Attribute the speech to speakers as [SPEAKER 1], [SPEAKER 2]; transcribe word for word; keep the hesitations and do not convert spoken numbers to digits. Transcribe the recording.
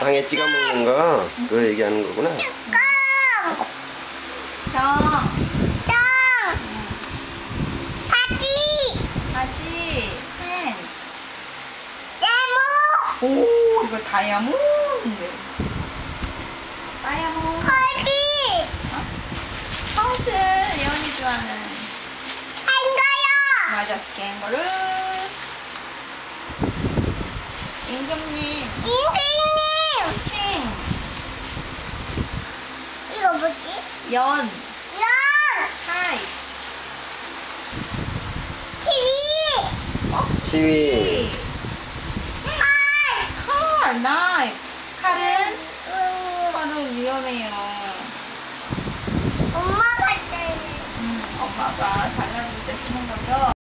[SPEAKER 1] 빵에 찍어 먹는 거 그거 얘기하는 거구나.
[SPEAKER 2] 정.
[SPEAKER 3] 정. 바지.
[SPEAKER 2] 바지. 팬츠.
[SPEAKER 3] 네모.
[SPEAKER 2] 오, 이거 다이아몬드. 다이아몬드.
[SPEAKER 3] 거지.
[SPEAKER 2] 파우치. 예원이 좋아하는.
[SPEAKER 3] 한가요.
[SPEAKER 2] 맞아, 캥거루. 임금님.
[SPEAKER 3] 인생님.
[SPEAKER 2] 킹.
[SPEAKER 3] 이거 뭐지?
[SPEAKER 2] 연.
[SPEAKER 3] 연.
[SPEAKER 2] 하이.
[SPEAKER 3] 키위.
[SPEAKER 2] 어?
[SPEAKER 1] 키위.
[SPEAKER 3] 칼.
[SPEAKER 2] 칼. 나이프. 칼은?
[SPEAKER 3] 음,
[SPEAKER 2] 칼은 위험해요.
[SPEAKER 3] 엄마가 때문에.
[SPEAKER 2] 음, 엄마가 달라질 때 쓰는 거죠?